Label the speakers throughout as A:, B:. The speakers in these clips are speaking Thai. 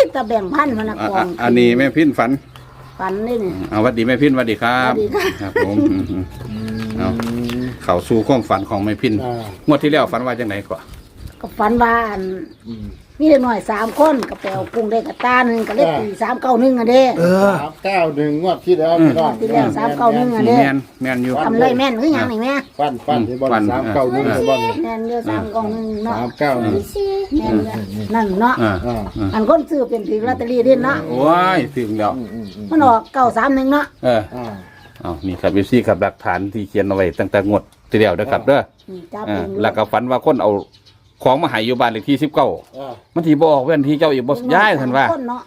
A: ตะแบ่งพันมันกอง
B: อันนี้แม่พินฝัน
A: นี่นี่
B: เอาวัดดีแม่พินวัดดีครับครับผมเอาเข้าสู่ความฝันของแม่พินงวดที่แล้วฝันว่าจังไหนก่อน
A: ก็ฝันว่ามีเด็กหน่อย3 คนก็ไปเอากุ้งได้กระตาหนึ่งก็เล็กตี391อ่ะเด้
C: 391งวดที่แล้วพี่น้อง
A: ที่แล้ว391อ่ะเด้
B: แม่นอยู่
A: ทำเลยแม่นคือหยังนี่แม่
C: ฟันที่บ่391บ่
A: แม่นเด้อ391เนาะ
C: 391
A: แม่นนั่นเนาะอันคนซื้อเป็นถือลอตเตอรี่เด้เนาะ
B: โอ้ยถึงแล้ว
A: มันออก931เนาะ
B: เอานี่ครับพี่ซี่ครับหลักฐานที่เขียนเอาไว้ตั้งแต่งวดที่แล้วนะครับเด้อแล้วก็ฝันว่าคนเอาของมาให้อยู่บ้านเลขที่19มันที่บ่ออกเว้นที่เจ้าอีกบ่ย้ายท่านว่า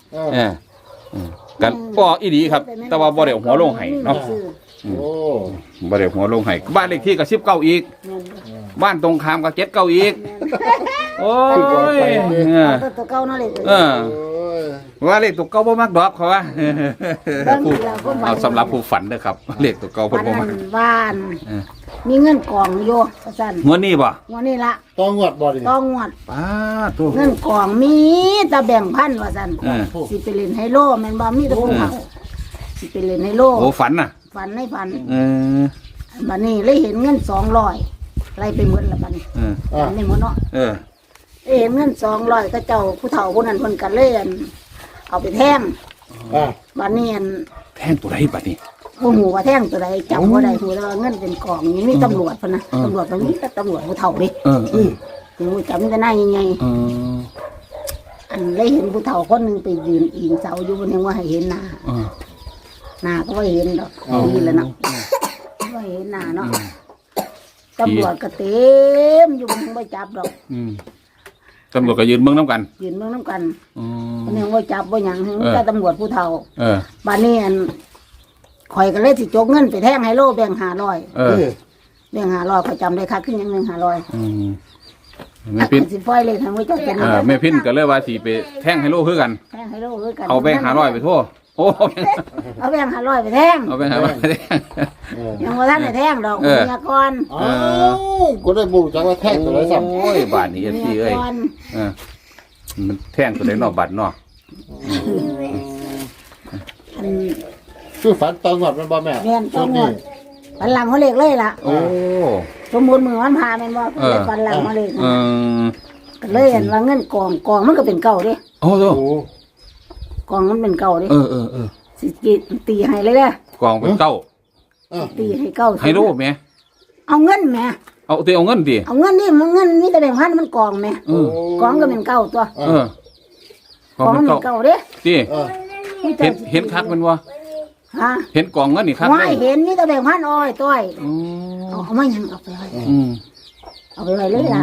B: กันบ่อีดีครับแต่ว่าบ่ได้หัวลงให้เนาะบ่ได้หัวลงให้บ้านเลขที่ก็19อีกบ้านตรงข้ามก็79อีกโอ้ย
A: ตัวเก่าเนาะเลย
B: ว่าเลขตัวเก่าบ่มักดอกเขาว่าเอาสำหรับผู้ฝันเด้อครับเลขตัวเก่าเพิ่นบ่มัก
A: บ้านมีเงินกองอยู่ซั่น
B: งวดนี้บ่
A: งวดนี้ล่ะ
C: ต้องงวดบ่ดิ
A: ต้องงวด
B: ป้าตัว
A: เงินกองมีแต่แบ่งพันว่าซั่นสิไปเล่นไฮโลแม่นบ่มีแต่ผู้เฒ่าสิไปเล่นไฮโล
B: โอ้ฝันน่ะ
A: ฝันในฝันบัดนี้เลยเห็นเงิน200ไล่ไปหมดแล้วบัดนี้นี่หมดเนาะเห็นเงิน200ก็เจ้าผู้เฒ่าผู้นั้นเพิ่นก็เลยเอาไปแท่งบัดนี้
B: แท่งตัวใดบัดนี้
A: ผู้หูว่าแท่งตัวใดจับว่าใดหูแล้วเงินเป็นกองนี่มีตำรวจพนะตำรวจมันมีแต่ตำรวจผู้เฒ่าดิหูจับมีแต่หน้าใหญ่อันเลยเห็นผู้เฒ่าคนหนึ่งไปยืนอิงเสาอยู่บนยังว่าให้เห็นหน้าก็ว่าเห็นดอกนี่แหละเนาะว่าเห็นหน้าเนาะตำรวจก็เต็มอยู่บนยังไม่จับดอก
B: ตำรวจก็ยืนเมืองน้ำกัน
A: ยืนเมืองน้ำกันมันยังไม่จับว่าอย่างแต่ตำรวจผู้เฒ่าบ้านนี้ข่อยก็เลยสิจกเงินไปแท่งไฮโลแบ่ง500แบ่ง500ข่อยจำได้ค่ะขึ้นอย่างนึง500แม่พินสิปล่อยเลยทางไว้เจ้าเป็น
B: แม่พินก็เลยว่าสิไปแท่งไฮโลคือกัน
A: แท่งไฮโลคือกัน
B: เอาแบ่ง500ไปทั่วโอ้
A: เอาแบ่ง500ไปแท่ง
B: เอาแบ่ง500ไปแท่ง
A: ยังบ่ทันได้แท่งดอกเมียก่อน
C: ก็ได้บ่จักว่าแท่งตัวใดซ้ำ
B: โอ้ยบาทนี้สิเอ้ยมันแท่งตัวใดเนาะบาทเนาะ
C: คือฝันตองงวดมันบ่แม่
A: แม่นตองงวดฝันหลังเขาเล็กเลยล่ะ
B: โอ้
A: สมมุติมือมันพาแม่นบ่ฝันหลังเขาเล็กก็เลยเห็นว่าเงินกองมันก็เป็นเก่าเด้
B: โอ้โห
A: กองมันเป็นเก่าเด้สิตีให้เลยเด้
B: กองเป็นเก่า
A: ตีให้เก่า
B: ให้รู้แม่
A: เอาเงินแม่
B: เอาตีเอาเงินดิ
A: เอาเงินนี่มันเงินมีแต่แบ่งพันมันกองแม่กองก็เป็นเก่าตัวกองมันเป็นเก่าเด้
B: ติเห็นคักมันวะเห็นกองเงินนี่ครับ
A: ไม่เห็นนี่แต่แบ่งพันอ้อยต้อยเอามายังเอาไปไว้เอาไปไว้เลยล่ะ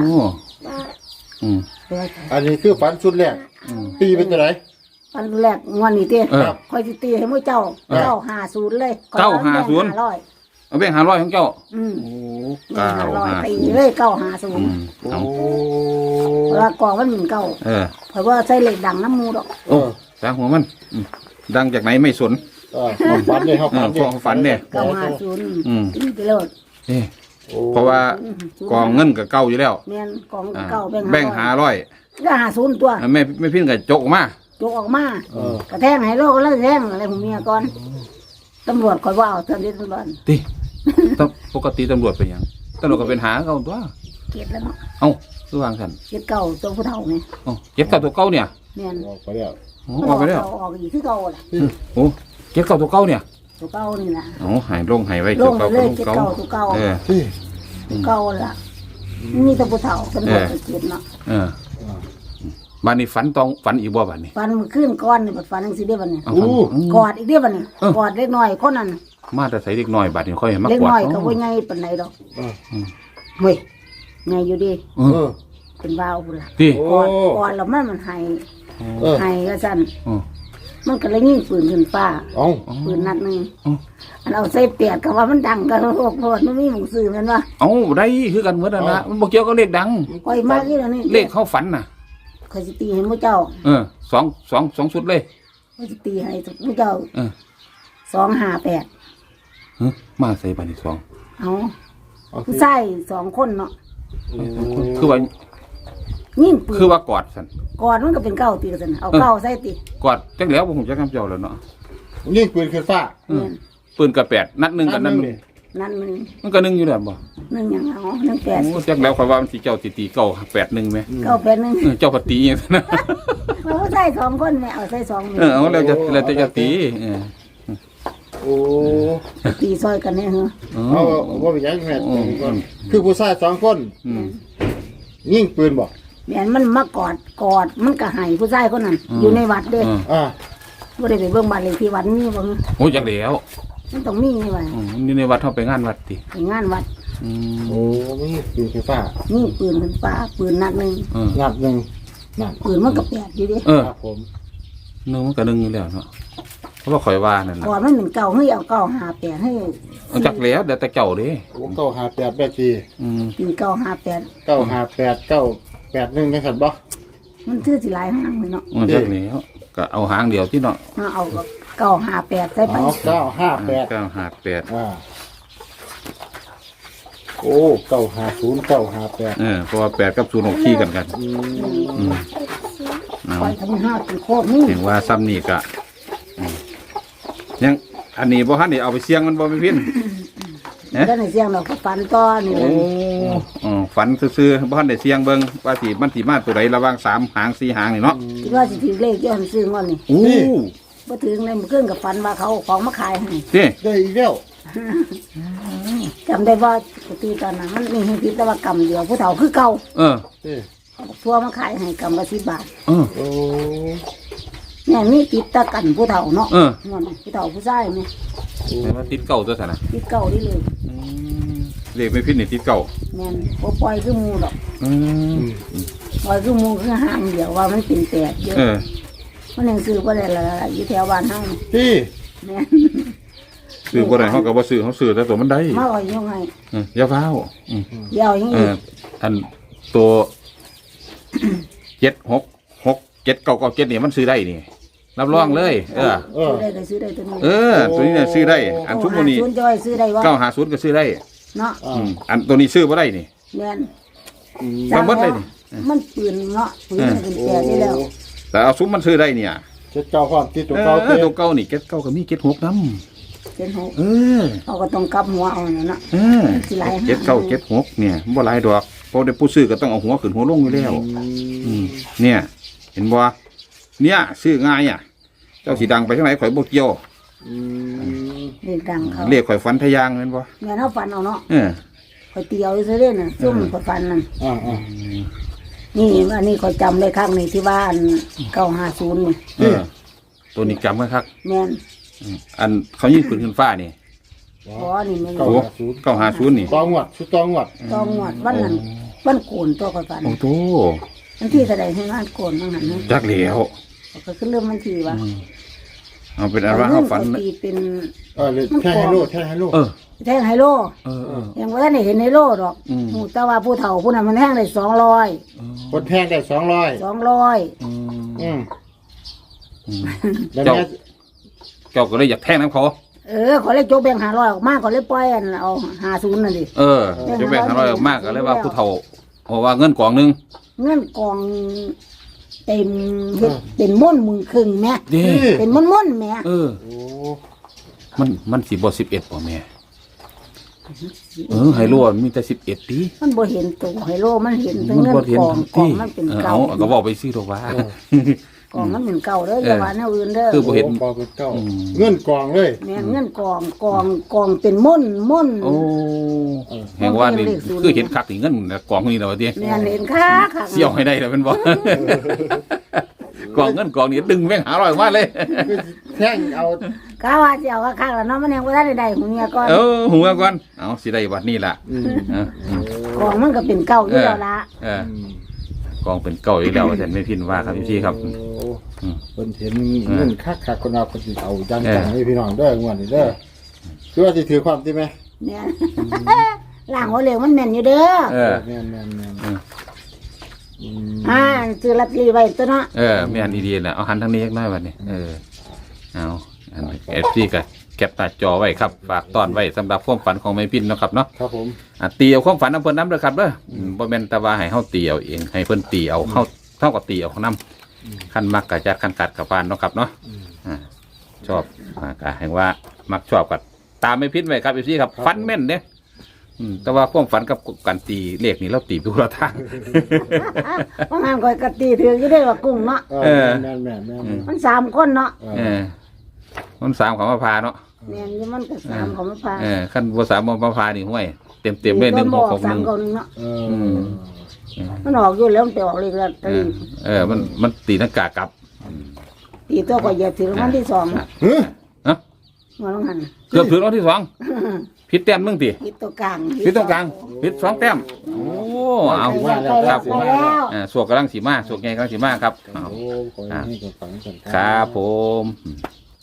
C: อันนี้คือฝันชุดแรกตีเป็นจังได๋
A: ฝันแรกงวดนี้ติค่อยสิตีให้มื้อเจ้า950เลย
B: 950เอาแบ่ง500ของเจ้า
A: โอ้950ตีเลย950
B: เอา
A: เพราะว่ากองมันเป็นเก่าเพราะว่าใส่เหล็กดังน้ำมูดอก
B: สาหัวมันดังจากไหนไม่สน
C: ฝันเนี่ยเขา
B: ฝันเนี่ย
A: 950ไปเลย
B: เพราะว่ากองเงินกับเก่าอยู่แล้ว
A: แม่นกองเก่า
B: แบ่ง500
A: ก็50ตัว
B: ไม่พิ้นกับจกออกม
A: ากระแทกให้โลกแล้วแทงอะไรผมเมียก่อนตำรวจคอยว่าเอาตำรวจ
B: ติปกติตำรวจเป็นยังตำรวจก็เป็นหาเก่าตัว
A: เก็บแล้วเนาะ
B: เอ้าตัววางสัน
A: เก็บเก่าตัวผู้เฒ่าไง
B: เก็บเก่าตัวเก่าเนี่ย
A: แม่น
C: ออกไปแล้ว
B: ออกไปแล้ว
A: ออกอีกคือเก่าแหละ
B: โอ้เก็บเก่าตัวเก่าเนี่ย
A: ตัวเก่านี่นะ
B: หายลงหายไว้
A: ตัวเก่าตัวเก่าตัวเก่าตัวเก่าล่ะมีแต่ผู้เฒ่าตำรวจเก็บเนาะ
B: บ้านนี้ฝันอีกบ่บ้านนี้
A: ฝันขึ้นก้อนนี่ฝันจังซี่เด้บัดนี้กอดอีกเด้บัดนี้กอดเล็กน้อยคนนั้น
B: มาแต่ใส่เล็กน้อยบัดนี้ค่อยเห็นมากกว่า
A: เล็กน้อยก็บ่ใหญ่ปานใดดอกเฮ้ยใหญ่อยู่ดิเป็นวาวพุ่นล่ะกอดแล้วมันให้ก็ซั่นมันก็เลยยิงปืนขึ้นฟ้าปืนนัดนึงอันเอาใส่เปียกก็ว่ามันดังก็โคตรมันมีหมู่ซื้อแม่นว่า
B: ได้คือกันเหมือนนั่นนะมันบ่เกี่ยวกับเลขดัง
A: ค่อยมากอีแล้วนี่
B: เลขเข้าฝันน่ะ
A: ค่อยสิตีให้มื้อเจ้า
B: 2ชุดเลย
A: ค่อยสิตีให้มื้อเจ้า258
B: มาใส่บัดนี้2
A: เอาผู้ชาย2คนเนาะ
B: คือว่า
A: ยิ่งปืน
B: คือว่ากอดสัน
A: ก่อนมันก็เป็นเก้าตีกันเอาเก้าใส่ตี
B: กอดจังแล้วผมจะคำเจ้าแล้วเนาะ
C: ยิงปืนขึ้นฟ้า
A: เนี่ย
B: ปืนกระแปดนัดหนึ่งกับนัดหนึ่ง
A: นั่นมัน
B: มันก็หนึ่งอยู่แล้วบ่
A: หนึ่งอย่างเอาหนึ่งแปด
B: โอ้จักแล้วข่อยว่ามันสิเจ้าตีเก่า8-1ไหม
A: เก้าแปดหนึ่ง
B: เจ้าปฏิอย่างนั้นนะ
A: เราใส่2 คนแม่เอาใส่2
B: เอาแล้วจะตี
C: โอ้
A: ตีซอยกันเนี่ยเหรอ
C: เอาว่าไปยังแม่คือผู้ชาย2 คน ยิงปืนบ่
A: แม่นมันมากอดมันก็ให้ผู้ชายคนนั้นอยู่ในวัดเด้
C: อ่า
A: บ่ได้ไปเบิ่งบ้านเลขที่วัดมีบ่
B: โอ้จักแล้ว
A: มันต้องมีนี่ว่า
B: นี่ในวัดเขาไปงานวัดติ
A: ไปงานวัด
C: โอ้ไม่ยิงปืนขึ้นฟ้า
A: นี่ปืนขึ้นฟ้าปืนนัดหนึง
C: นัดหนึ่งนั่น
A: ปืนมันก็แปดอยู่ดิ
C: ครับผม
B: หนึ่งมันก็หนึ่งอยู่แล้วเนาะเพราะว่าข่อยว่านั่นแหละ
A: ก่อนมันเป็นเก่าให้เอาเก่าหาแปดให้
B: จักแล้วเดี๋ยวแต่เจ้าเด้
C: โอ้958แบบที
A: เป็นเก่าหาแปด
C: 958 981จังซั่นบ่
A: มันชื่อสิหลายห้างเลยเนาะ
B: มันจักแล้วก็เอาหางเดียวที่เนาะ
A: เอาเก่าหาแปดใส่ไป
C: 958
B: 958
C: โอ้950 958
B: เพราะว่า8กับ0ออกขี้กันเอา
A: ไปทำห้าเป็นโคตรนี่
B: ถึงว่าซ้ำนี่ก็ยังอันนี้บ่ทันได้เอาไปเสี่ยงมันบ่ไปพิน
A: ก็ในเสียงเราก็ฟันต้อนี่แห
B: โอ้
A: ละ
B: ฝันซื่อๆบ่ทันได้เสี่ยงเบิ่งว่าสิมันสิมาตัวใดระหว่าง3หาง4หางนี่เนาะ
A: คิดว่าสิถือเลขย้อนซื้องอนนี่
B: โอ้
A: บ่ถึงเลยมันขึ้นกับฟันว่าเขาเอาของมาขายให้
B: ติ
C: ได้อีกแล้ว
A: จำได้ว่าปกติตอนนั้นมันมีให้คิดแต่ว่ากำเดียวผู้เฒ่าคือเก่า
B: เออ
A: เอาทั่วมาขายให้กำละ10 บาท
B: เออ
C: โอ้
A: เนี่ยมีติดตะกันผู้เฒ่าเนาะ
B: เออ
A: เงินผู้เฒ่าผู้ชายเนี่ย
B: แต่ว่าติดเก่าตัวซั่นน่ะ
A: ติดเก่านี่เลย
B: เลขไม่พินนี่ติดเก่า
A: แม่นบ่ปล่อยคือหมูดอก
B: อืม
A: ปล่อยคือหมูคือหางเดียวว่ามันเป็นแปดเยอะ
B: เออ
A: มันยังซื้อบ่ได้ละอยู่แถวบ้านเฮานี่
C: พี่
A: แม่น
B: ซื้อบ่ได้เฮาก็บ่ซื้อเฮาซื้อแต่ตัวมันได้
A: มาเอายังไง
B: อย่าฟ้าว
A: เดี๋ยวยัง
B: เอ
A: อี
B: อก อันตัว7667997นี่มันซื้อได้นี่รับรองเลย
C: เออ
A: ซื้อได้ก็ซื้อได้ตัวนี้
B: ตัวนี้เนี่ยซื้อได้ อันทุกมื้อนี้
A: โอ้50จะไว้ซื้อได้บ่
B: 950ก็ซื้อได้
A: เนาะ
B: อันตัวนี้ซื้อบ่ได้นี่
A: แม่น
B: ทั้งหมดเลยนี่
A: มันปืนเนาะปืนมันเป็นแปดนี่แล้ว
B: แต่เอาซุ้มมันซื้อได้เนี่ย
C: จะเจ้าความที่ตัวเก่า
B: ตัวเก่านี่เก้าก็มี76นำ
A: เป็นหก
B: อ
A: เขาก็ต้องกลับหัวเอาน่ะเนาะ สิหลายหาง
B: 7976เนี่ยบ่หลายดอกเพราะได้ผู้ซื้อก็ต้องเอาหัวขึ้นหัวลงอยู่แล้วเนี่ย เห็นบ่เนี่ยซื้อง่ายอ่ะ เจ้าสิดังไปทางไหนข่อยบ่เกี่ยว
A: เรียกดังเขา
B: เรียกข่อยฝันทะยางแม่นบ่
A: แม่นเฮาฟันเอาเนาะ
B: เออ
A: ข่อยเตียวซื้อเด้น่ะซุ่มข่อยฟันนั่น
C: อ่า
A: นี่อันนี้ข่อยจำได้ครั้งนี้ที่ว่าอัน950นี่
B: เออ ตัวนี้จำไว้ครับ
A: แม่น
B: อันเขายิงปืนขึ้นฟ้านี่
A: อ๋อนี่แม่น
B: โอ้950นี่
C: ตองวดชุดตองวด
A: ต้องงวดวันนั้นวันโกนตัวข่อยฟัน
B: โอ้โต
A: วันที่แสดงให้งานโกนบ้างหันนะ
B: จักแล้ว
A: ก็ขึ้นเริ่มวันที่ว่า
B: เอาเป็นอันว่าเฮาฝัน
A: ตีเป็น
C: เลยแท่งให้โลดแท่งให้โลด
B: เออ
A: แท่งไฮโล
B: เออ
A: ยังว่าท่านได้เห็นไฮโลดอกหูแต่ว่าผู้เฒ่าผู้นั้นมันแท่งได้200
C: คนแท่งได้200
A: 200
C: อืมแล้ว
B: เจ้า
C: แม่
B: เจ้าก็เลยอยากแทงน้ำเขา
A: ขอเลยโจกแบ่ง500ออกมาขอเลยปล่อยอันเอา50นั่นดิ
B: จะแบ่ง500ออกมากก็เลยว่าผู้เฒ่าเพราะว่าเงินกองหนึง
A: เงินกองเต็มเฮ็ดเป็นม่วนมึงครึ่งแม่
B: เด้
A: เป็นม่วนๆแม่
B: โอ้มันสิบ่11บ่แม่ไฮโลมันมีแต่11ติ
A: มันบ่เห็นตัวไฮโลมันเห็นแต่
B: มัน
A: เงิน
B: บ่เห็น
A: กองมันเป็นเก่า
B: ก็บอกไปซื้อดอกว่าก
A: องมันเป็นเก่าเด้ออย่าว่าแนวอื่นเด้อ
B: คือบ่เห็น
C: กองเป็นเก้าเงินกองเลย
A: แม่นเงินกองเป็นม่น
B: โอ้แห่งว่านี่คือเห็นคักนี่เงินกองนี่แล้วว่าติ
A: แม่นเห็นค่ะค่ะ
B: เสี่ยวให้ได้แล้วเป็นบ่กองเงินกองนี่ดึงแม่งหา100มาเลย
C: แท่งเอา
A: กะว่าสิเอาคักๆแล้วเนาะมันยังบ่ทันได้หูเมียก่อน
B: หัวก่อนเอาสิได้บัดนี้ล่ะ
A: กองมันก็เป็นเก่าอยู่แล้วละ
B: กองเป็นเก่าอีกแล้วอาจารย์ไม่พินว่าครับพี่ครับ
C: คนเห็นเงินคักคนเอาคนสิเอาจังให้พี่น้องเด้องวดนี้เด้อคือว่าสิถือความที่ไหม
A: แม่น ล่างหัวเหลวมันแม่นอยู่เด้อ
C: แม่น
A: ซื้อลอตเตอรี่ไว้ตัวเนาะ
B: แม่นดีๆนะเอาหันทางนี้เล็กน้อยบัดนี้เอาอันเอฟซีก็แคปหน้าจอไว้ครับฝากต้อนไว้สำหรับความฝันของแม่พินเนาะครับเนาะ
C: ครับผม
B: ตีเอาความฝันน้ำเพิ่นน้ำเด้อครับเด้อบ่แม่นแต่ว่าให้เฮาตีเอาเองให้เพิ่นตีเอาเฮาก็ตีเอาของน้ำคันมักกะจัดคันกัดกับปานเนาะครับเนาะชอบก็แห่งว่ามักชอบกัตามไม่พิษไว้ครับพี่ครับฟันแม่นเด้แต่ว่าความฝันกับการตีเลขนี่เราตีไปคนละทาง
A: เพราะงานคอยกะตีถืออยู่ได้ว่ากุ้งเนาะ
C: แม่น
A: มัน3คนเนาะ
B: มันสามของมาพาเนาะ
A: แม่นอยู่มันก็3ของมันพา
B: ขั้นบ่สามของมาพานี่ห้วยเต็มเลย1 6 6 1
A: 3คนเนาะมันออกอยู่แล้วมันไปออกเลยละตี
B: มันตีนักกากลับ
A: ตีตัวก็เหยียบถือรางวัลที่2
B: ฮะ
A: หัวลงหัน
B: เกือบถึงรอบที่2ผิดแต้มนึงติ
A: ผิดตัวกลาง
B: ผิดตรงกลางผิด2 แต้มโอ้เอา
A: ไปแล้ว
B: สวกกำลังสีมาสวกไงกำลังสีมาครับ
C: โอ้ขอให้กับฝังกัน
B: ครับผม